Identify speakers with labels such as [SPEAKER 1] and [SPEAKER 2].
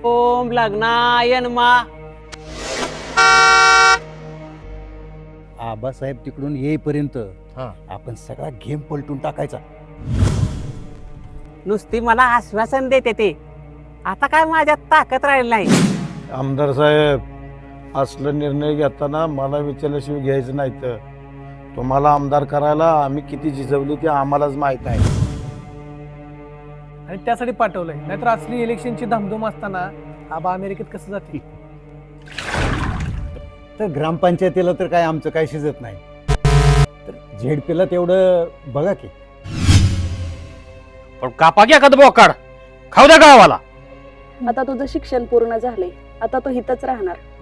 [SPEAKER 1] ओम लग्नाय नमा.
[SPEAKER 2] आबासाहेब तिकडून येईपर्यंत
[SPEAKER 3] हा.
[SPEAKER 2] आपण सगळा गेम पलटून टाकायचा.
[SPEAKER 1] नुसती मला आश्वासन देते ते, आता काय माझ्यात ताकद राहिली नाही.
[SPEAKER 3] आमदार साहेब, असलं निर्णय घेताना मला विचारल्याशिवाय घ्यायचं नाही. तर तुम्हाला आमदार करायला आम्ही किती झिजवली ते आम्हालाच माहित आहे.
[SPEAKER 4] आणि त्यासाठी पाठवलंय, नाहीतर असली इलेक्शनची धामधूम असताना आबा अमेरिकेत कसं जातील.
[SPEAKER 2] तर ग्रामपंचायतीला तर काय आमचं काय शिजत नाही, तर झेडपीला तेवढं बघा की.
[SPEAKER 5] पण कापा घ्या कद बोकाड, खाऊ द्या गावाला.
[SPEAKER 6] आता तुझं शिक्षण पूर्ण झाले, आता तू इथंच राहणार.